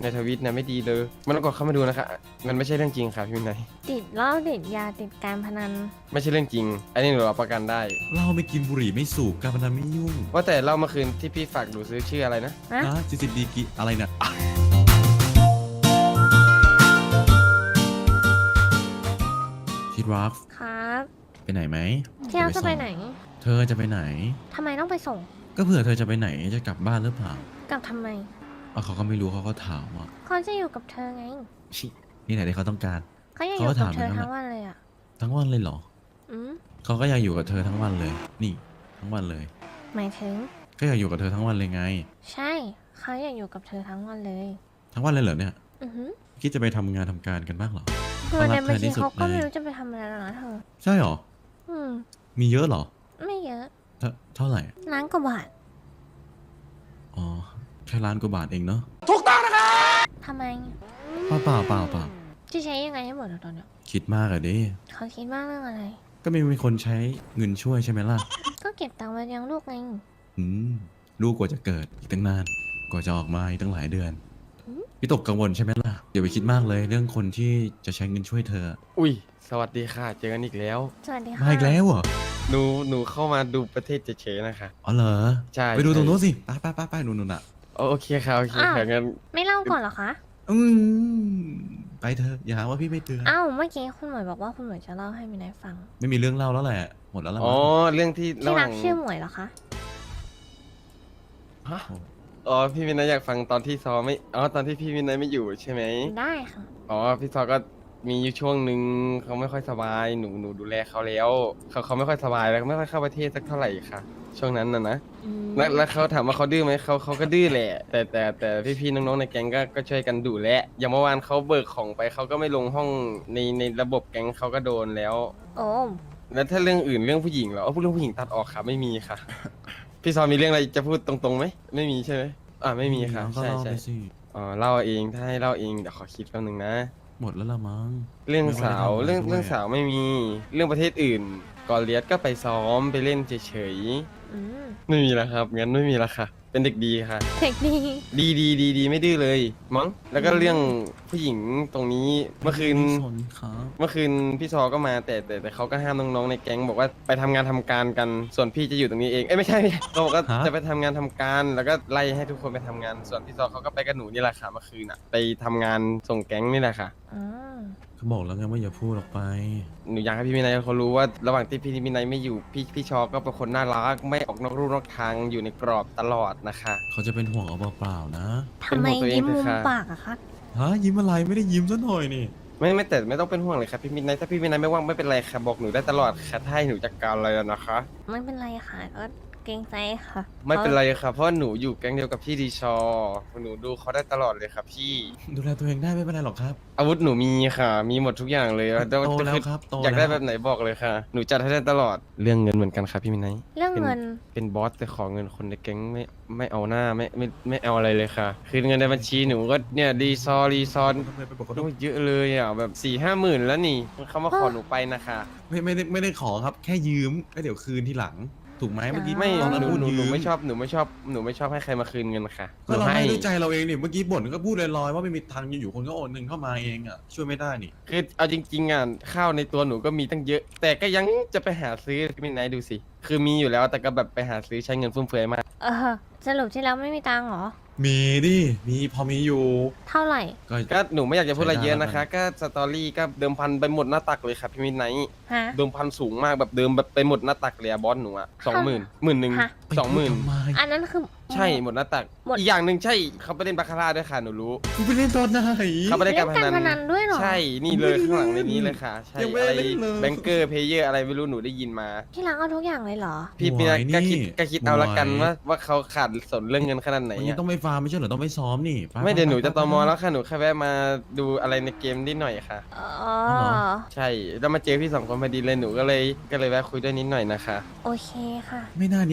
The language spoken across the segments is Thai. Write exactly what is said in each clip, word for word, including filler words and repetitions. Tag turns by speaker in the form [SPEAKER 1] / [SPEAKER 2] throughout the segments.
[SPEAKER 1] ในทวิตนะไม่ดีเลยมันต้องกดเข้ามาดูนะคะมันไม่ใช่เรื่องจริงค่ะพี่วินัย
[SPEAKER 2] ติดเหล้าติดยาติดการพนัน
[SPEAKER 1] ไม่ใช่เรื่องจริง อันนี้หนูรับประกันได้
[SPEAKER 3] เหล้าไม่กินบุหรี่ไม่สูบการพนันไม่ยุ่ง
[SPEAKER 1] ว่าแต่เล่าเมื่อคืนที่พี่ฝากหนูซื้อชื่ออะไรนะ
[SPEAKER 2] ฮะ
[SPEAKER 3] นะสิสิดีกีอะไรเนี่ยอ่ะที่รัก
[SPEAKER 2] ครับ
[SPEAKER 3] ไปไหนไหม
[SPEAKER 2] ที่เราจะไปไหน
[SPEAKER 3] เธอจะไปไหน
[SPEAKER 2] ทำไมต้องไปส่ง
[SPEAKER 3] ก็เผื่อเธอจะไปไหนจะกลับบ้านหรือเปล่าก
[SPEAKER 2] ลับทำไม
[SPEAKER 3] อ่ะเขาก็ไม่รู้เขาก็ถามว่า
[SPEAKER 2] เขาจะอยู่กับเธอไง
[SPEAKER 3] ชินี่ไหนที่เขาต้องการ
[SPEAKER 2] เขาอยากอยู่
[SPEAKER 3] เขาก็
[SPEAKER 2] กับ
[SPEAKER 3] ถาม
[SPEAKER 2] เธอ
[SPEAKER 3] อย่างนั้น
[SPEAKER 2] ทั้งวันเลยอ่ะ
[SPEAKER 3] ทั้งวันเลยเหรอ
[SPEAKER 2] อืม
[SPEAKER 3] เขาก็อยากอยู่กับเธอทั้งวันเลย นี่ทั้งวันเลย
[SPEAKER 2] หมายถึง
[SPEAKER 3] ก็อยากอยู่กับเธอทั้งวันเลยไง
[SPEAKER 2] ใช่ เขาอยากอยู่กับเธอทั้งวันเลย
[SPEAKER 3] ทั้งวันเลยเหรอเนี่ย
[SPEAKER 2] อือหือ
[SPEAKER 3] คิดจะไปทำงานทำการกันบ้างเหรอ
[SPEAKER 2] คือใน
[SPEAKER 3] เขารัก
[SPEAKER 2] บัญ
[SPEAKER 3] เธอที่
[SPEAKER 2] ชี
[SPEAKER 3] สุด
[SPEAKER 2] เขาก็
[SPEAKER 3] เลย
[SPEAKER 2] ไม่รู้จะไปทำอะไรแล้วนะเธอ
[SPEAKER 3] ใช่เหรอ
[SPEAKER 2] อืม
[SPEAKER 3] มีเยอะเหรอ
[SPEAKER 2] ไม่เยอะ
[SPEAKER 3] เท่าเท่าไหร่
[SPEAKER 2] ล้านกว่าบาท
[SPEAKER 3] อ๋อ แค่ล้านกว่าบาทเองเนาะ
[SPEAKER 2] ทำไม
[SPEAKER 3] เปล่าเปล่าเปล่าเปล่า
[SPEAKER 2] จะใช้ยังไงให้หมดอะตอนเนี้ย
[SPEAKER 3] คิดมากอะดิ
[SPEAKER 2] เขาคิดมากเรื่องอะไร
[SPEAKER 3] ก็ไม่มีคนใช้เงินช่วยใช่ไหมล่ะ
[SPEAKER 2] ก็เก็บตังค์ไว้เลี้ยงลูกไง
[SPEAKER 3] อืม ลูกกว่าจะเกิดอีกตั้งนาน กว่าจะออกมาอีกตั้งหลายเดือน
[SPEAKER 2] อืม
[SPEAKER 3] พี่ตกกังวลใช่ไหมล่ะ เดี๋ยวไปคิดมากเลยเรื่องคนที่จะใช้เงินช่วยเธอ
[SPEAKER 1] อุ้ยสวัสดีค่ะ เจอกันอีกแล้ว
[SPEAKER 2] สวัสดีค่ะ
[SPEAKER 3] มาอีกแล้วเหรอ
[SPEAKER 1] หนูหนูเข้ามาดูประเทศเฉยๆนะคะ
[SPEAKER 3] อ๋อเหรอ
[SPEAKER 1] ใช่
[SPEAKER 3] ไปดูตรง
[SPEAKER 1] ใช่
[SPEAKER 3] นู้นสิ ไปไปไปไปนู่นนู่นอ่ะ
[SPEAKER 1] โอเคค่ะโอเคค่ะงั้น
[SPEAKER 2] ไม่เล่าก่อนเหรอคะ
[SPEAKER 3] อืมไปเถอะอย่าหาว่าพี่ไม่เตือน
[SPEAKER 2] อ้าว เมื่อกี้คุณหมวยบอกว่าคุณหมวยจะเล่าให้มินายฟัง
[SPEAKER 3] ไม่มีเรื่องเล่าแล้วแหละ หมดแล้วละ
[SPEAKER 1] อ๋อ
[SPEAKER 3] มั้ง
[SPEAKER 1] เรื่องที่ระ
[SPEAKER 2] ที่
[SPEAKER 1] ห
[SPEAKER 2] รั
[SPEAKER 1] ว่าก ง
[SPEAKER 2] ชื่อหมวยเหรอคะ
[SPEAKER 1] ฮะอ๋อพี่วินัยอยากฟังตอนที่ซอไม่อ๋อตอนที่พี่วินัยไม่อยู่ใช่ไหม
[SPEAKER 2] ได้ค่ะ
[SPEAKER 1] อ๋อพี่ซอก็มีอยู่ช่วงหนึ่งเขาไม่ค่อยสบายหนูหนูดูแลเขาแล้วเขาเขาไม่ค่อยสบายแล้วไม่ค่อยเข้าประเทศสักเท่าไหร่ค่ะ ช่วงนั้นน่ะนะ
[SPEAKER 2] อืม
[SPEAKER 1] แล้วแล้วเขาถามว่าเขาดื้อไหมเขาเขาก็ดื้อแหละ แต่แต่แต่พี่ๆน้องๆในแก๊งก็ก็ช่วยกันดูแลอย่างเมื่อวานเขาเบิกของไปเขาก็ไม่ลงห้องในในระบบแก๊งเขาก็โดนแล้ว
[SPEAKER 2] โอ้
[SPEAKER 1] แล้วถ้าเรื่องอื่นเรื่องผู้หญิงเหรอเอาพูดเรื่องผู้หญิงตัดออกค่ะไม่มีค่ะ พี่ซอมีเรื่องอะไรจะพูดตรงๆไหมไม่มีใช่ไหมอ่าไม่มีค่ะ
[SPEAKER 3] ก็
[SPEAKER 1] ใช่
[SPEAKER 3] เล่า
[SPEAKER 1] ใช่
[SPEAKER 3] ไปสิ
[SPEAKER 1] อ๋อเล่าเองถ้าให้เล่าเองเดี๋ยวขอคิดแป๊บนึงนะ
[SPEAKER 3] หมดแล้วละมั้ง
[SPEAKER 1] เรื่องสาว
[SPEAKER 3] ไม่
[SPEAKER 1] เรื่อง
[SPEAKER 3] ได้ทำอะไรด้วย
[SPEAKER 1] เรื่องสาวไม่มีเรื่องประเทศอื่นก่อนเลียสก็ไปซ้อมไปเล่นเฉย
[SPEAKER 2] อืม
[SPEAKER 1] ๆไม่มีแล้วครับงั้นไม่มีแล้วค่ะ เป็นเด็กดีค่ะ
[SPEAKER 2] เทคนิค
[SPEAKER 1] ดีดีดีดีไม่ดื้อเลยมั้งแล้วก็เรื่องผู้หญิงตรงนี้เมื่อคืน
[SPEAKER 3] ไม่สนครับ
[SPEAKER 1] เมื่อคืนพี่ซอก็มาแต่แต่แต่เขาก็ห้ามน้องๆในแก๊งบอกว่าไปทำงานทำการกันส่วนพี่จะอยู่ตรงนี้เองเอ้ยไม่ใช่ไม่ใช่เขาบอกว่าจะไปทำงานทำการ แล้วก็ไล่ให้ทุกคนไปทำงาน ส่วนพี่ซอเขาก็ไปกับหนูนี่แหละค่ะเมื่อคืนอ่ะไปทำงานส่งแก๊งนี่แหละค่ะ
[SPEAKER 2] อืม
[SPEAKER 3] เขาบอกแล้วไงว่าอย่าพูดออกไป
[SPEAKER 1] หนูอยากให้พี่มินายเขารู้ว่าระหว่างที่พี่มินายไม่อยู่พี่พี่ชอก็เป็นคนน่ารักไม่ออกนอกรูนอกทางอยู่ในกรอบตลอดนะคะ
[SPEAKER 3] เขาจะเป็นห่วงเอาเปล่าๆนะ
[SPEAKER 2] ทำไม
[SPEAKER 1] เป็นของตัวเอง
[SPEAKER 2] ยิ้มมุม
[SPEAKER 1] เถอะค่ะ
[SPEAKER 2] ปากอะคะ
[SPEAKER 3] ฮะยิ้มอะไรไม่ได้ยิ้มซะหน่อยนี่
[SPEAKER 1] ไม่ไม่แต่ไม่ต้องเป็นห่วงเลยครับพี่มินายถ้าพี่มินายไม่ว่างไม่เป็นไรค่ะบอกหนูได้ตลอดค่ะถ้าให้หนูจัดการอะไรอะนะคะ
[SPEAKER 2] ไม่เป็นไรค่ะ ก็เกรงใจค่ะ
[SPEAKER 1] ไม่เป็นไรค่ะเพราะหนูอยู่แก๊งเดียวกับพี่ดีชอหนูดูเขาได้ตลอดเลยครับพี่
[SPEAKER 3] ดูแลตัวเองได้ไม่เป็นไรหรอกครับ
[SPEAKER 1] อาวุธหนูมีค่ะ มีหมดทุกอย่างเลย
[SPEAKER 3] โตแล้วครับโต
[SPEAKER 1] อยากได้
[SPEAKER 3] แล้ว
[SPEAKER 1] แบบไหนบอกเลยค่ะ หนูจัดให้ได้ตลอดเรื่องเงินเหมือนกันครับพี่มินาย
[SPEAKER 2] เรื่องเงิน
[SPEAKER 1] เป็นบอสแต่ขอเงินคนในแก๊งไม่ไม่เอาหน้าไม่ไม่ไม่เอาอะไรเลยค่ะ คือเงินในบัญชีหนูก็เนี่ยรีซอรีซอน
[SPEAKER 3] ทำไมไปบอกเขา
[SPEAKER 1] โอ้ยเยอะเลยอ่ะแบบสี่ห้าหมื่นแล้วนี่เขามาขอหนูไปนะคะ
[SPEAKER 3] ไม่ไม่ได้ไม่ได้ขอครับ แค่ยืมแล้วเดี๋ยวคืนทีหลัง ถูกไหมเมื่อกี้
[SPEAKER 1] ไม่
[SPEAKER 3] ตอนนั้น
[SPEAKER 1] หนู
[SPEAKER 3] พูด
[SPEAKER 1] หนู
[SPEAKER 3] ยื
[SPEAKER 1] หนู
[SPEAKER 3] ม
[SPEAKER 1] ไม่ชอบหนูไม่ชอบหนูไม่ชอบให้ใครมาคืนเงินค่ะห
[SPEAKER 3] ก็
[SPEAKER 1] นู
[SPEAKER 3] เรา
[SPEAKER 1] ให้
[SPEAKER 3] ให้ด้วยใจเราเองนี่เมื่อกี้บ่นก็พูดลอยๆว่าไม่มีทางอยู่ๆคนก็โอนเงินเข้ามาเองอ่ะช่วยไม่ได้นี่
[SPEAKER 1] คือเอาจริงๆอ่ะข้าวในตัวหนูก็มีตั้งเยอะ แต่ก็ยังจะไปหาซื้อพี่มินายดูสิคือมีอยู่แล้วแต่ก็แบบไปหาซื้อใช้เงินฟุ่มเฟือยมาก
[SPEAKER 2] เออ สรุปที่แล้วไม่มีตังค์เหรอ
[SPEAKER 3] มีดิมีพอมีอยู่
[SPEAKER 2] เท่าไหร่
[SPEAKER 3] ก็
[SPEAKER 1] ก็หนูไม่อยากจะพูดอะไรเยอะ
[SPEAKER 3] ใช้ได้
[SPEAKER 1] นะคะ ก็สตอรี่ก็เดิมพันไปหมดหน้าตักเลยครับพี่มินไนท์
[SPEAKER 2] ฮะ
[SPEAKER 1] เดิมพันสูงมากแบบเดิมแบบไปหมดหน้าตักเลยอะบอสหนูอะสองหมื่นหมื่นหนึ่ง
[SPEAKER 2] ฮะ
[SPEAKER 1] สองหมื่น
[SPEAKER 3] ไปพูดทำไม
[SPEAKER 2] อันนั้นคือ
[SPEAKER 1] ใช่หมดหน้าตัก
[SPEAKER 2] หมด
[SPEAKER 1] อีกอย่างหนึ่งใช่เขาไปเล่นบาคาร่าด้วยค่ะหนูรู้
[SPEAKER 3] คุณไปเล่นตอนไหน
[SPEAKER 1] เขาไปเล่นการพ
[SPEAKER 2] เล่น
[SPEAKER 1] นั
[SPEAKER 2] การพนันด้วยเหรอ
[SPEAKER 1] ใช่นี่เลยข้างหลังในนี้เลยค่ะ ใช่
[SPEAKER 3] ยังไม่
[SPEAKER 1] อะไร
[SPEAKER 3] ได้เล่นเลย
[SPEAKER 1] แบงเกอร์เพเยอร์อะไรไม่รู้หนูได้ยินมา
[SPEAKER 2] ที่รักเอาทุกอย่างเลยเหรอ
[SPEAKER 1] พี่
[SPEAKER 3] หม
[SPEAKER 1] พี่
[SPEAKER 3] วย
[SPEAKER 1] ก็คิด
[SPEAKER 3] นี่
[SPEAKER 1] ก็คิดเอาละกัน
[SPEAKER 3] หมวย
[SPEAKER 1] ว่าว่าเขาขาดสนเรื่องเงินขนาดไหน
[SPEAKER 3] วันนี้
[SPEAKER 1] อะ
[SPEAKER 3] ต้องไปฟาร์มไม่ใช่เหรอต้องไปซ้อมนี่ป
[SPEAKER 1] ไม่เดี๋ยวหนูจะ
[SPEAKER 3] ไป
[SPEAKER 1] ตอมอ
[SPEAKER 3] ไป
[SPEAKER 1] แล้วค่ะหนูแค่แวะมาดูอะไรในเกมนิดหน่อยค่ะ
[SPEAKER 2] อ๋อ
[SPEAKER 3] เหรอ
[SPEAKER 1] ใช่แล้วมาเจอพี่สองคนพอดีเลยหนูก็เลยก็เลยแวะคุยด้วยนิดหน่อยนะคะ
[SPEAKER 2] โอเคค่ะ
[SPEAKER 3] ไม่น่านิดหน่อยแล้ว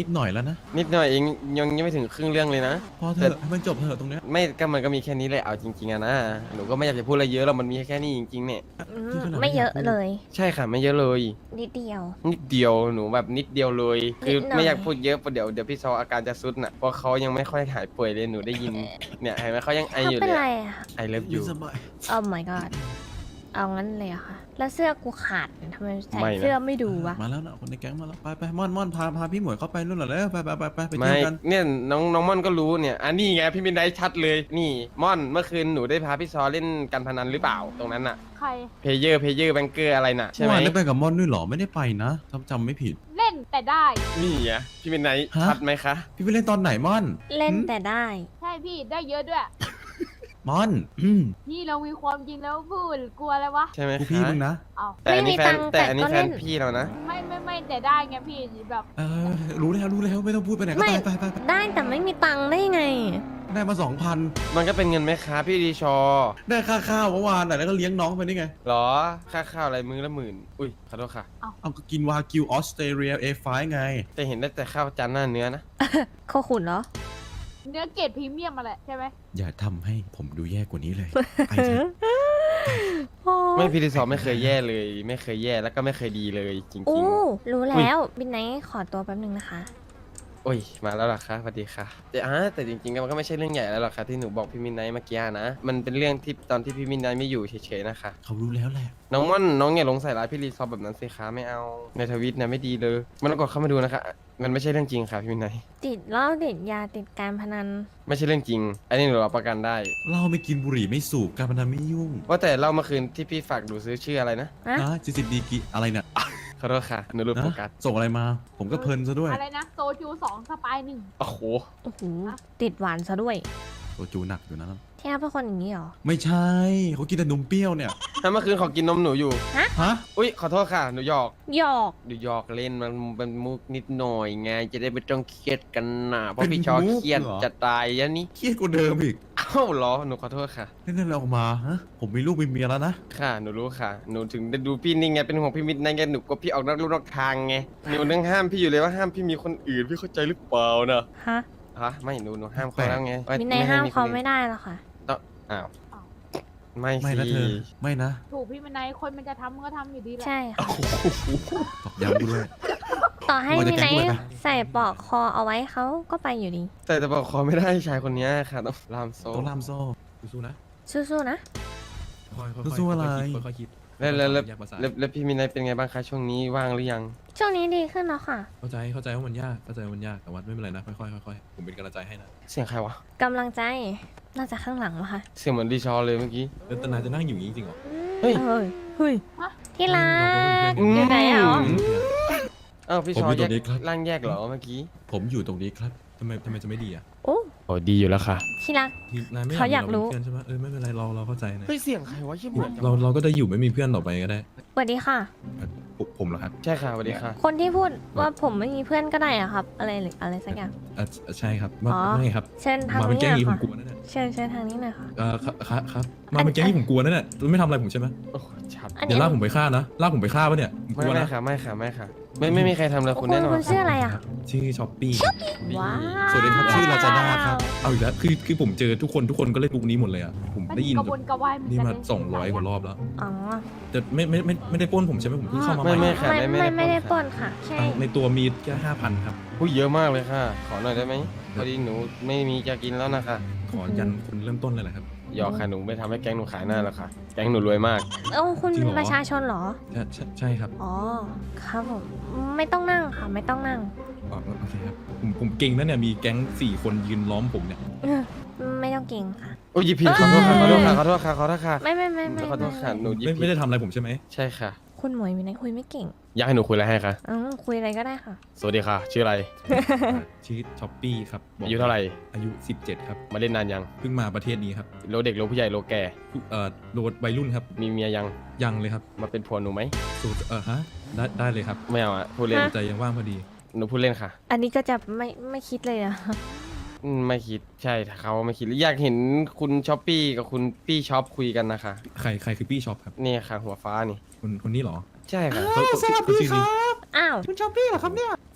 [SPEAKER 3] นะ
[SPEAKER 1] นิดหน่อยเองยังยังไม่ถึงครึ่งเรื่องเลยนะ
[SPEAKER 3] พอเถอะให้มันจบเถอะตรงเนี้ย
[SPEAKER 1] ไม่ก็มันก็มีแค่นี้เลยเอาจริงๆอะนะหนูก็ไม่อยากจะพูดอะไรเยอะหรอกมันมีแค่นี้จริงๆเนี่ย
[SPEAKER 2] อืม
[SPEAKER 3] ที่ขนาด
[SPEAKER 2] ไม่เยอะ
[SPEAKER 3] ไม่อยากพูด
[SPEAKER 2] เลย
[SPEAKER 1] ใช่ค่ะไม่เยอะเลย
[SPEAKER 2] นิดเดียว
[SPEAKER 1] นิดเดียวหนูแบบนิดเดียวเลย คือ
[SPEAKER 2] นิดหน่อย
[SPEAKER 1] ไม่อยากพูดเยอะเพราะเดี๋ยวเดี๋ยวพี่ซออาการจะซุดน่ะเพราะเขายังไม่ค่อยหายป่วยเลยหนูได้ยินเนี่ยเห็นไหมเขายังไอ
[SPEAKER 2] เขา
[SPEAKER 1] อยู่
[SPEAKER 2] เป็น
[SPEAKER 1] เลย
[SPEAKER 2] ไรอะ
[SPEAKER 1] ไอเลิฟ
[SPEAKER 3] อ
[SPEAKER 1] อยู่
[SPEAKER 3] สบาย
[SPEAKER 2] โอ้ my god เอางั้นเลยอะค่ะ แล้วเสื้อกูขาดทำไมใส่
[SPEAKER 1] ไม่นะ
[SPEAKER 2] เสื้อไม่ดูวะ
[SPEAKER 3] มาแล้วนะคนในแก๊งมาแล้วไปไปม่อนม่อนพาพาพี่หมวยเข้าไปนู่นเหรอแล้วไปไปไปไปไป
[SPEAKER 1] ไม่
[SPEAKER 3] เที่ยวกัน
[SPEAKER 1] เนี่ยน้องน้องม่อนก็รู้เนี่ยอันนี้ไงพี่มินได้ชัดเลยนี่ม่อนเมื่อคืนหนูได้พาพี่ซอเล่นการพนันหรือเปล่าตรงนั้นน่ะ
[SPEAKER 4] ใคร
[SPEAKER 1] เพเยอร์เพเยอร์แบงเกอร์อะไรน่ะใช่
[SPEAKER 3] เมื่อ
[SPEAKER 1] ไหม
[SPEAKER 3] วานได้ไปกับม่อนด้วยเหรอไม่ได้ไปนะจำจำไม่ผิด
[SPEAKER 4] เล่นแต่ได้
[SPEAKER 1] นี่ไงพี่มินไน
[SPEAKER 3] ฮะ
[SPEAKER 1] ชัดไหมคะ
[SPEAKER 3] พี่ไปเล่นตอนไหนม่อน
[SPEAKER 2] เล่น
[SPEAKER 3] หืม
[SPEAKER 2] แต่ได้
[SPEAKER 4] ใช่พี่ได้เยอะด้วย
[SPEAKER 3] ม่อนอืม
[SPEAKER 4] พี่เรามีความจริงแล้วพูดกลัวอะไรวะ
[SPEAKER 1] ใช่ไหม
[SPEAKER 3] กู
[SPEAKER 1] คะ
[SPEAKER 3] พี่มึงนะ
[SPEAKER 4] เอา
[SPEAKER 1] แต่อันนี้แฟน
[SPEAKER 2] ไม่มีตังค์
[SPEAKER 1] แต่อันนี้
[SPEAKER 2] แต่ก็
[SPEAKER 1] แฟ
[SPEAKER 2] เล่
[SPEAKER 1] น
[SPEAKER 2] น
[SPEAKER 1] พี่เรานะ
[SPEAKER 4] ไม่ไม่ไม่แต่ได้ไงพี่แบบ
[SPEAKER 3] เออรู้แล้วรู้แล้วไม่ต้องพูดไปไหนก็
[SPEAKER 2] ไม่
[SPEAKER 3] ไปไปไปไป
[SPEAKER 2] ได้แต่ไม่มีตังค์ได้ไง
[SPEAKER 3] ได้มาสองพัน
[SPEAKER 1] มันก็เป็นเงินไหมคะพี่ดีชอ
[SPEAKER 3] ได้ค่าข้าวเมื่อวานน่ะแล้วก็เลี้ยงน้องไปนี่ไง
[SPEAKER 1] หรอค่าข้าวอะไรมื้อละหมื่นอุ้ยขอโทษค่ะ
[SPEAKER 3] เอาก็กินวากิวออสเตรเลียเอฟไฟไง
[SPEAKER 1] แต่เห็นได้แต่ข้าวจานหน้าเนื้อนะ
[SPEAKER 2] โคขุนเหรอ
[SPEAKER 4] เนื้อเกรดพรีเมียมมาแหละใช่ไหม
[SPEAKER 3] อย่าทำให้ผมดูแย่กว่านี้เลยไปเถอะ
[SPEAKER 1] ไม่พี่ดีชอไม่เคยแย่เลย ไม่เคยแย่แล้วก็ไม่เคยดีเลยจริง
[SPEAKER 2] อู้
[SPEAKER 1] ๆ
[SPEAKER 2] รู้แล้ว บินไนท์ขอตัวแป๊บนึงนะคะ
[SPEAKER 1] โอ้ยมาแล้วเหรอคะสวัสดีค่ะแต่อ่าแต่จริงๆมันก็ไม่ใช่เรื่องใหญ่แล้วหรอกค่ะที่หนูบอกพี่มินไนท์เมื่อกี้นะมันเป็นเรื่องที่ตอนที่พี่มินไนท์ไม่อยู่เฉยๆนะคะ
[SPEAKER 3] เขารู้แล้วแหละ
[SPEAKER 1] น้องม่อนน้องอย่าลงใส่ร้ายพี่รีซอร์แบบนั้นสิคะไม่เอาในทวิตนะไม่ดีเลยมันต้องกดเข้ามาดูนะคะมันไม่ใช่เรื่องจริงค่ะพี่มินไนท์
[SPEAKER 2] ติดเหล้าติดยาติดการพนัน
[SPEAKER 1] ไม่ใช่เรื่องจริง อันนี้หนูรับประกันได้
[SPEAKER 3] เหล้าไม่กินบุหรี่ไม่สูบการพนันไม่ยุ่ง
[SPEAKER 1] ว่าแต่เล่าเมื่อคืนที่พี่ฝากดูซื้อชื่ออะไรนะ
[SPEAKER 2] ฮะ
[SPEAKER 3] นะจิสิบดีกีอะไรเนี่ย
[SPEAKER 1] ขอโทษค่ะหนูรู้โฟกัส
[SPEAKER 3] นะส่งอะไรมา ผมก็เพลินซะด้วย
[SPEAKER 4] อะไรนะโซจูสองสปายหนึ่ง
[SPEAKER 1] โอ้โห
[SPEAKER 2] โอ้โห ติดหวานซะด้วย
[SPEAKER 3] โซจูหนักอยู่นะ
[SPEAKER 2] ที่แอปเป็นคนอย่างนี้เหรอ
[SPEAKER 3] ไม่ใช่เขากินแต่นมเปรี้ยวเนี่ย
[SPEAKER 1] ถ้าเมื่อคืนขอกินนมหนูอยู่
[SPEAKER 3] ฮะ
[SPEAKER 1] อุ้ยขอโทษค่ะหนูหยอก
[SPEAKER 2] หยอก
[SPEAKER 1] หนูหยอกเล่นมันเป็นมุกนิดหน่อยไงจะได้ไม่ต้องเครียดกันนะเพราะพี่ชอเครียดจะตายยะนี่
[SPEAKER 3] เครียดกว่าเดิมอีก
[SPEAKER 1] เอ้าเหรอหนูขอโทษค่ะ
[SPEAKER 3] เล่นอะไรออกมาฮะผมมีลูกมีเมียแล้วนะ
[SPEAKER 1] ค่ะหนูรู้ค่ะหนูถึงได้ดูพี่นี่ไงเป็นห่วงพี่มิตรนั่นไงหนูกลัวพี่ออกนอกลู่นอกทางไงหนูนึงห้ามพี่อยู่เลยว่าห้ามพี่มีคนอื่นพี่เข้าใจหรือเปล่านะ
[SPEAKER 2] ฮะ
[SPEAKER 1] ฮะไม่หนูหนูห้ามเขาแล้วไงว่
[SPEAKER 2] บินไนท์
[SPEAKER 1] ใ
[SPEAKER 2] ห้ามเขา
[SPEAKER 1] คนอื่น
[SPEAKER 2] ไม่ได้หรอกค่ะ
[SPEAKER 1] ต้องอ้าวไม่
[SPEAKER 3] ไม่
[SPEAKER 1] สิ
[SPEAKER 3] นะเธอ ไม่นะ
[SPEAKER 4] ถูกพี่มันไนคนมันจะทำมันก็ทำอยู่ดีแหละ
[SPEAKER 2] ใช่ค่ะ
[SPEAKER 3] ตอกย้ำกูด้วย
[SPEAKER 2] ต่อให้
[SPEAKER 3] เราจะ
[SPEAKER 2] บินไน
[SPEAKER 3] แกล้งด้วย
[SPEAKER 2] ท์
[SPEAKER 3] ปะ
[SPEAKER 2] ใส่ปลอกคอเอาไว้เขาก็ไปอยู่ดี
[SPEAKER 1] แต่จะบอกขอไม่ได้ชายคนนี้ค่ะต้องลามโซ่
[SPEAKER 3] ต้องล่ามโซ่สู้ๆนะ
[SPEAKER 2] สู้ๆนะ
[SPEAKER 5] ค่อยๆ
[SPEAKER 3] สู้ๆอะไร
[SPEAKER 5] ค่อยๆคิด
[SPEAKER 1] แล้วแล้วแล้ว
[SPEAKER 5] ยากภาษา
[SPEAKER 1] แล้วแล้วพี่มินายเป็นไงบ้างคะช่วงนี้ว่างหรือยัง
[SPEAKER 2] ช่วงนี้ดีขึ้นแล้วค่ะ
[SPEAKER 5] เข้าใจเข้าใจว่ามันยากเข้าใจว่ามันยากแต่ว่าไม่เป็นไรนะค่อยๆค่อยๆผมเป็นกำลังใจให้นะ
[SPEAKER 1] เสียงใครวะ
[SPEAKER 2] กำลังใจ น่าจะข้างหลังวะค่ะ
[SPEAKER 1] เสียงเหมือนดีชอเลยเมื่อกี้
[SPEAKER 5] แล้วตนายจะนั่งอยู่อย่างนี้จริงเหรอ
[SPEAKER 1] เฮ้ย
[SPEAKER 2] เฮ้ยเฮ้ยที่รัก
[SPEAKER 1] อืม
[SPEAKER 2] อยู่ไหนอ่ะ
[SPEAKER 1] อ้าวพี่
[SPEAKER 3] ผม
[SPEAKER 1] ชอ
[SPEAKER 3] อยู่
[SPEAKER 1] แย
[SPEAKER 3] ตรงนี้
[SPEAKER 1] ก
[SPEAKER 3] ครับ
[SPEAKER 1] ร่างแยกเหรอเมื่อกี้
[SPEAKER 3] ผมอยู่ตรงนี้ครับ
[SPEAKER 5] ทำไมทำไมจะไม่ดีอ่ะ
[SPEAKER 2] โอ้
[SPEAKER 1] โอ้ดีอยู่แล้วค่ะ
[SPEAKER 2] ที่รัก
[SPEAKER 5] นี่นายไม่
[SPEAKER 2] เขาอยากรู้
[SPEAKER 5] มีเพื่อนใช่ไหมเออไม่เป็นไรเราเราเข้าใจนะ
[SPEAKER 1] เฮ้ยเสียงใครวะยี่เหมือนจัง
[SPEAKER 5] เราเราก็ได้อยู่ไม่มีเพื่อนต่อไปก็ได้
[SPEAKER 2] สวัสดีค่ะ
[SPEAKER 5] ผมผมเหรอครับ
[SPEAKER 1] ใช่ค่ะสวัสดีค่ะ
[SPEAKER 2] คนที่พูดว่าผมไม่มีเพื่อนก็ได้อะครับ อะไรหรืออะไรสักอย่าง
[SPEAKER 5] อ่ะใช่ครับมา
[SPEAKER 2] อ๋อ
[SPEAKER 5] ไม่ครับ
[SPEAKER 2] เชิญทาง
[SPEAKER 5] มาเป็น
[SPEAKER 2] นี้
[SPEAKER 5] แก๊ง
[SPEAKER 2] หน่
[SPEAKER 5] นี้
[SPEAKER 2] อย
[SPEAKER 5] ผม
[SPEAKER 2] ค่ะ
[SPEAKER 5] กลัวนั่นแหละ
[SPEAKER 2] เชิญเชิญทางนี้หน่อยค่ะ
[SPEAKER 5] เออครับครับครับมาเป็นแก๊งนี้ผมกลัวนั่นแหละไม่ทำอะไรผมใช่ไหม
[SPEAKER 1] โอ้โหชัด
[SPEAKER 2] อัน
[SPEAKER 5] เดี๋
[SPEAKER 2] นี้
[SPEAKER 5] ยวลากผมไปฆ่านะลากผมไปฆ่าปะเนี่ยผม
[SPEAKER 1] ไม่
[SPEAKER 5] กลัว
[SPEAKER 1] ไม่
[SPEAKER 5] นะ
[SPEAKER 1] ค่ะไม่ค่ะไม่ค่ะ ไม่ไม่มีใครทำเลย
[SPEAKER 2] คุ
[SPEAKER 1] คุณ ณแน่นอน
[SPEAKER 2] คุณชื่ออะไรอ่ะ
[SPEAKER 5] ชื่อช้อปปี้
[SPEAKER 2] ว้าว
[SPEAKER 3] สวัสดีครับชื่อลาซาด้าครับ
[SPEAKER 5] เอาอีกแล้วคือคือผมเจอทุกคนทุกคนก็เล่นบุกนี้หมดเลยอ่ะผม
[SPEAKER 4] มัน
[SPEAKER 5] ได้ยิน
[SPEAKER 4] กระวนกระวายเหมือน
[SPEAKER 5] นี่
[SPEAKER 4] กัน
[SPEAKER 5] มา
[SPEAKER 4] เลย
[SPEAKER 5] สองร้อยกว่ารอบแล้ว
[SPEAKER 2] อ๋อ
[SPEAKER 5] แต่ไม่ไม่ไม่ไม่ได้ปล้นผมใช่ไหมผมเพิ่งเข้ามาให
[SPEAKER 1] ไม่
[SPEAKER 5] ม่
[SPEAKER 1] ไม่ค่ะ
[SPEAKER 2] ไม่
[SPEAKER 1] ไม่
[SPEAKER 2] ไม่
[SPEAKER 1] ไม่
[SPEAKER 2] ไม่
[SPEAKER 1] ได้
[SPEAKER 2] ได้
[SPEAKER 1] ป
[SPEAKER 2] ป
[SPEAKER 1] ล้
[SPEAKER 2] ล้
[SPEAKER 1] น
[SPEAKER 2] นค่ะ แค่
[SPEAKER 5] ตังค์ในตัวมีแค่ห้าพันครับ
[SPEAKER 1] ผู้เยอะมากเลยค่ะ ขอหน่อยได้ไหมพอดีหนูไม่มีจะกินแล้วนะคะ
[SPEAKER 5] ขอยันคนเริ่มต้นเลยแหละครับ
[SPEAKER 1] หยอกค่ะหนูไม่ทำให้แก๊งหนูขายหน้าแล้วค่ะ แก๊งหนูรวยมาก
[SPEAKER 2] เอ้าคุณ
[SPEAKER 5] จริง
[SPEAKER 2] เป็น
[SPEAKER 5] เหรอ
[SPEAKER 2] ประชาชนเหรอ
[SPEAKER 5] ใช่ใช่ใช่ครับ
[SPEAKER 2] อ๋อ ครับผม ไม่ต้องนั่งค่ะ ไม่ต้องนั่ง
[SPEAKER 5] อ๋อโอเคครับผมผมเก่งนะเนี่ยมีแก๊งสี่คนยืนล้อมผมเนี่ย
[SPEAKER 2] เออไม่ต้องเก่งค่ะ
[SPEAKER 1] โอ้ยหยิบผิดขอโทษค่ะขอโทษค่ะขอโทษค่ะขอโทษค่ะ
[SPEAKER 2] ไม่ไม่ไม่ไม่
[SPEAKER 1] ขอโทษค่ะหนูหยิบ
[SPEAKER 5] ไม่
[SPEAKER 1] ผิ
[SPEAKER 5] ไม่
[SPEAKER 1] ด
[SPEAKER 5] ได้ทำอะไรผมใช่ไหม
[SPEAKER 1] ใช่ค่ะ
[SPEAKER 2] คุณหมวยมีไหนคุยไม่เก่ง
[SPEAKER 1] อยากให้หนูคุยอะไรให้คะ
[SPEAKER 2] อืมคุยอะไรก็ได้ค่ะ
[SPEAKER 1] สวัสดีค่ะ ชื่ออะไร
[SPEAKER 5] ชื่อช้อปปี้ครับบก
[SPEAKER 1] อายุเท่าไหร่
[SPEAKER 5] อายุสิบเจ็ดครับ
[SPEAKER 1] มาเล่นนานยัง
[SPEAKER 5] เพิ่งมาประเทศนี้ครับ
[SPEAKER 1] โลเด็กโลผู้ใหญ่โลแก่
[SPEAKER 5] ผู้เอ่อโดดวัยรุ่นครับ
[SPEAKER 1] มีเมียยัง
[SPEAKER 5] ยังเลยครับ
[SPEAKER 1] มาเป็นผัวหนูไหม
[SPEAKER 5] สูตรเออฮะได้ได้เลยครับ
[SPEAKER 1] ไม่เอาอะพูดเล่น
[SPEAKER 2] ฮะ
[SPEAKER 5] ใจยังว่างพอดี
[SPEAKER 1] หนูพูดเล่นค่ะ
[SPEAKER 2] อันนี้ก็จะไม่ไม่คิดเลยอะ
[SPEAKER 1] อืมไม่คิดใช่เขาไม่คิดอยากเห็นคุณช้อปปี้กับคุณปี้ช็อปคุยกันนะคะ
[SPEAKER 5] ใครใครคือปี้ช็อปครับ
[SPEAKER 1] นี่ค่ะ หัวฟ้านี่
[SPEAKER 5] คนคนนี้เหรอ
[SPEAKER 1] ใช่ค่ะ
[SPEAKER 5] เขาเขาเขาชื่อนี้
[SPEAKER 2] อ้าว
[SPEAKER 3] คุณชอบพี่เหรอครับเนี่ย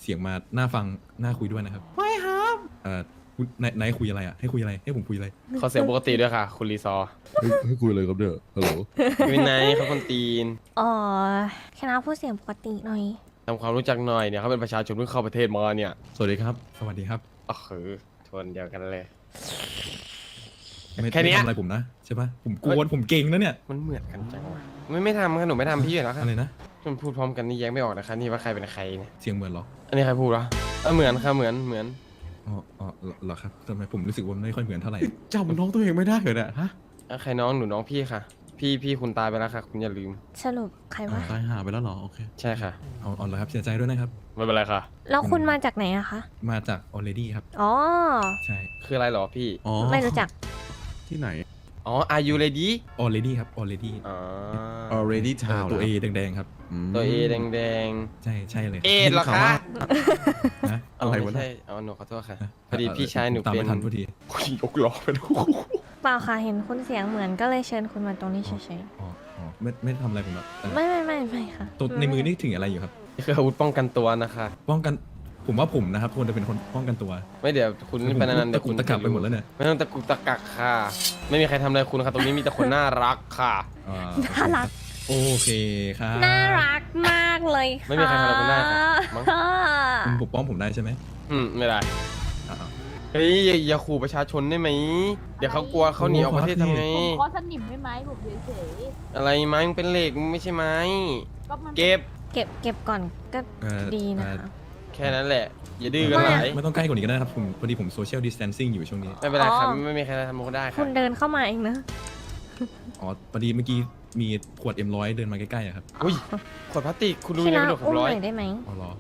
[SPEAKER 5] เสียงมาน่าฟังน่าคุยด้วยนะครับไม่ครับเอ่อคุณนายนายคุยอะไรอ่ะให้คุยอะไรให้ผมคุยอะไร
[SPEAKER 1] ขอเสียงปกติด้วยค่ะ คุณรีซอร์
[SPEAKER 3] ให้ให้คุยอะไรครับเนี่ยฮัลโหล
[SPEAKER 1] วินัยเขาคนตีน
[SPEAKER 2] อ๋อแค่น้าพูดเสียงปกติหน่อย
[SPEAKER 1] ทำความรู้จักหน่อยเนี่ยเขาเป็นประชาชนเพิ่งเข้าประเทศมาเนี่ย
[SPEAKER 5] สวัสดีครับ สวัสดีครับ
[SPEAKER 1] อ๋อคือชนเดียวกันเลย
[SPEAKER 5] ไม่
[SPEAKER 1] แค่เนี้ย
[SPEAKER 5] ไม่ทำอะไรผมนะใช่ปะผมกวนผมเก่งนะเนี่ย
[SPEAKER 1] มันเหมือนกันจังวะไม่ไม่ทำค่ะหนูไม่ทำพี่อยู่แล้วค่ะ
[SPEAKER 5] อะไรนะ
[SPEAKER 1] มันพูดพร้อมกันนี่แยกไม่ออกนะคะนี่ว่าใครเป็นใครเนี่ย
[SPEAKER 5] เสียงเหมือนเหรอ
[SPEAKER 1] อันนี้ใครพูดวะเออเหมือนค่ะเหมือนเหมือน
[SPEAKER 5] อ๋ออ๋อเหรอเหรอครับทำไมผมรู้สึกว่าไม่ค่อยเหมือนเท่าไหร่
[SPEAKER 3] จำน้องตัวเองไม่ได้เหรอเนี่ยฮะ
[SPEAKER 1] อ่ะใครน้องหนูน้องพี่ค่ะ พี่พี่คุณตายไปแล้วค่ะ คุณอย่าลืม
[SPEAKER 2] สรุปใครวะ
[SPEAKER 3] ตายหาไปแล้วเหรอโอเค
[SPEAKER 1] ใช่ค่ะ
[SPEAKER 5] เอาเอาละครับเสียใจด้วยนะครับ
[SPEAKER 1] ไม่เป็นไรค่ะ
[SPEAKER 2] แล้วคุณมาจากไหนอะคะ
[SPEAKER 5] มาจาก already ครับ
[SPEAKER 2] อ๋อ
[SPEAKER 5] ใช่
[SPEAKER 1] คืออะไรเหรอพี่
[SPEAKER 3] อ๋อ
[SPEAKER 2] ไม่รู้จัก
[SPEAKER 3] ที่ไหน
[SPEAKER 1] อ๋อ are you ready
[SPEAKER 5] already ครับ already
[SPEAKER 1] อ๋อ
[SPEAKER 3] already
[SPEAKER 5] เอ่อ
[SPEAKER 3] town
[SPEAKER 5] ตัว A แดงๆครับ
[SPEAKER 3] ม
[SPEAKER 1] ตัว A แดงแดง
[SPEAKER 5] ใช่ใช่เลย
[SPEAKER 1] ๆเอ็ดเหรอคะ
[SPEAKER 5] นะ
[SPEAKER 3] อะไรวะ
[SPEAKER 1] ม่
[SPEAKER 3] เนี่ย
[SPEAKER 1] ใช่อ๋อหนูขอโทษค่ะ พอดีพี่ชายหนู
[SPEAKER 5] ตาม
[SPEAKER 1] เป็
[SPEAKER 5] ไม่
[SPEAKER 1] น
[SPEAKER 5] ทันพอดี
[SPEAKER 1] คุณยกล้อไปดู
[SPEAKER 2] เปล่าค่ะเห็นคุณเสียงเหมือนก็เลยเชิญคุณมาตรงนี้เฉย
[SPEAKER 5] อ๋ออ๋อไม่ไม่ทำอะไรผมหรอกแต่
[SPEAKER 2] ๆ ไม่ไม่ไม่ไม่ค่ะ
[SPEAKER 5] ตัวในมือนี่ถึงอะไรอยู่ครับ
[SPEAKER 1] นี่คืออาวุธป้องกันตัวนะคะ
[SPEAKER 5] ป้องกันผมว่าผมนะครับควรจะเป็นคนป้องกันตัว
[SPEAKER 1] ไม่เดี๋ยวคุณนี่เป็นนัน
[SPEAKER 5] ตะกุกตะกักไปหมดแล้วเนี่ย
[SPEAKER 1] ไม่ต้องตะกุกตะกักค่ะ ไม่มีใครทำอะไรคุณค่ะตรงนี้มีแต่คนน่ารักค่ะ
[SPEAKER 5] อ่า
[SPEAKER 2] น่ารัก
[SPEAKER 5] โอเคครับ
[SPEAKER 2] น่ารักมากเลยค่ะ
[SPEAKER 1] ไม่มีใครทำอะไรคุณได้ค่ะมั้ง
[SPEAKER 5] คุณปกป้องผมได้ใช่ไหม
[SPEAKER 1] อืมไม่ได้
[SPEAKER 5] อ่า
[SPEAKER 1] เฮ้ยอย่าอย่าขู่ประชาชนได้ไหม เดี๋ยวเขากลัวเขาหนีออกประเทศทำไง
[SPEAKER 4] ผมขอสนิมไม่ไหมผมเฉย
[SPEAKER 1] อะไรไม้มันเป็นเหล็กมันไม่ใช่ไม้
[SPEAKER 4] ๆก็มัน
[SPEAKER 1] เก็บ
[SPEAKER 2] เก็บเก็บก่อนก็
[SPEAKER 5] เอ่อ
[SPEAKER 2] ดีนะคะ
[SPEAKER 1] แค่นั้นแหละ อย่าดื้อกันหลาย
[SPEAKER 5] ไม่ต้องใกล้กว่านี้ก็ได้นะครับผมพอดีผมโซเชียลดิส a ทนซิ่งอยู่ช่วงนี้
[SPEAKER 1] ไม่เป็นไรครับ
[SPEAKER 2] อ๋อ
[SPEAKER 1] ไม่มีใครทำมันได้ค
[SPEAKER 2] คุ
[SPEAKER 1] รับ
[SPEAKER 2] ณเดินเข้ามาเองนะ
[SPEAKER 5] อ๋อพอดีเมื่อกี้มีขวด เอ็ม ร้อย เดินมาใกล้ๆอะครับ
[SPEAKER 1] อุ้ยขวดพลาสติกคุณดู
[SPEAKER 2] ที่
[SPEAKER 1] ยัง
[SPEAKER 2] รั
[SPEAKER 1] ไม่
[SPEAKER 2] ก
[SPEAKER 1] โดดห
[SPEAKER 2] อุ้
[SPEAKER 1] ก
[SPEAKER 2] ม
[SPEAKER 1] ร้อ
[SPEAKER 2] ห
[SPEAKER 1] ย
[SPEAKER 2] น่อยได้ไหม
[SPEAKER 5] อ๋อเหรอ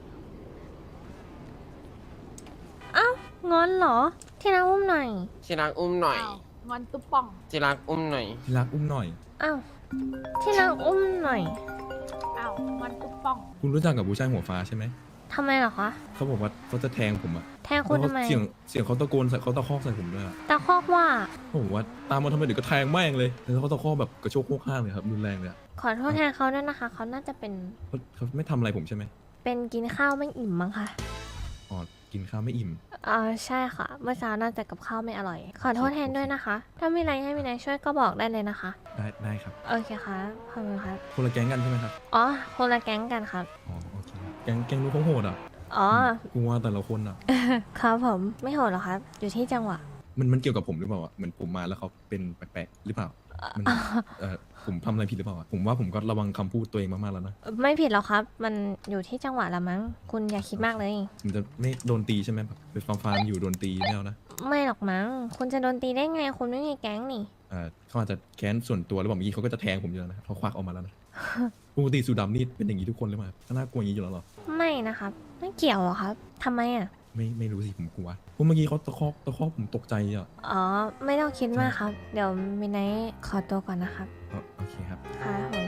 [SPEAKER 2] เอ้าวงอนเหรอ ที่รักอุ้มหน่อย
[SPEAKER 1] ที่รักอุ้มหน่อย
[SPEAKER 4] อ้าวงอนตุ๊บป่อง
[SPEAKER 1] ที่รักอุ้มหน่อย
[SPEAKER 5] ที่รักอุ้มหน่อย
[SPEAKER 2] อ้าวที่รักอุ้มหน่อย
[SPEAKER 4] อ้าวงอนตุ๊บป่อง
[SPEAKER 5] คุณรู้จักกับผู้ชายหัวฟ้าใช่ไหม
[SPEAKER 2] ทำไมเหรอคะ
[SPEAKER 5] เขาบอกว่าเขาจะแทงผมอะ
[SPEAKER 2] แทงคุณทำไม
[SPEAKER 5] เสียงเสียงเขาตะโกนใส่เขาตะคอกใส่ผมด้วยอะ
[SPEAKER 2] ตะคอกว่า
[SPEAKER 5] เขาบอกว่าตามมาทำไมเดี๋ยวก็แทงแม่งเลยแล้วเขาตะคอกแบบกระโชกโคกข้างเลยครับรุนแรงเลยอะ
[SPEAKER 2] ขอโทษแทนเขาด้วยนะคะ เขาน่าจะเป็น
[SPEAKER 5] เขาเขาไม่ทำอะไรผมใช่ไหม
[SPEAKER 2] เป็นกินข้าวไม่อิ่มมั้งคะ
[SPEAKER 5] อ๋อกินข้าวไม่อิ่ม
[SPEAKER 2] เออใช่ค่ะ เมื่อเช้าน่าจะกับข้าวไม่อร่อย ขอโทษแทนด้วยนะคะ ถ้ามีอะไรให้มีนายช่วยก็บอกได้เลยนะคะ
[SPEAKER 5] ได้ได้ครับ
[SPEAKER 2] โอเคค่ะขอบคุณครับ
[SPEAKER 5] คนละแก๊งกันใช่ไหมครับ
[SPEAKER 2] อ๋อ คนละแก๊งกันครับ
[SPEAKER 5] อ๋อโอเคแก๊งแก๊งนู้นเขาโหดอ่ะ
[SPEAKER 2] อ๋อ
[SPEAKER 5] กลัวแต่ละคนอ่ะ
[SPEAKER 2] ครับผม ไม่โหดหรอกครับ อยู่ที่จังหวะ
[SPEAKER 5] มันมันเกี่ยวกับผมหรือเปล่าอ่ะเหมือนผมมาแล้วเขาเป็นแปลกๆหรือเปล่ามันเออผมทำอะไรผิดหรือเปล่าอะผมว่าผมก็ระวังคำพูดตัวเองมากๆแล้วนะ
[SPEAKER 2] ไม่ผิดหรอกครับ มันอยู่ที่จังหวะละมั้ง คุณอย่าคิดมากเลย
[SPEAKER 5] ผมจะไม่โดนตีใช่ไหมแบบไปฟาร์มฟาร์มอยู่โดนตีไม่เอานะ
[SPEAKER 2] ไม่หรอกมั้ง คุณจะโดนตีได้ไง คุณไม่มีแก๊งนี่
[SPEAKER 5] เออเขาอาจจะแค้นส่วนตัวหรือเปล่าเมื่อกี้เขาก็จะแทงผมอยู่แล้วนะเขาควักออกมาแล้วนะ ปกติสูดำนี่เป็นอย่างนี้ทุกคนเลยมั้ยก็น่ากลัวอย่างนี้อยู่แล้วเหรอ
[SPEAKER 2] ไม่นะครับ ไม่เกี่ยวหรอกครับทำไมอ่ะ
[SPEAKER 5] ไม่ไม่รู้สิผมกลัวเพราะเมื่อกี้เขาตะคอกตะคอกผมตกใจอ่ะ
[SPEAKER 2] อ๋อ ไม่ต้องคิดมากครับ เดี๋ยวมินไนท์ขอตัวก่อนนะครับ
[SPEAKER 5] เออโอเคครับ
[SPEAKER 2] ค่ะผม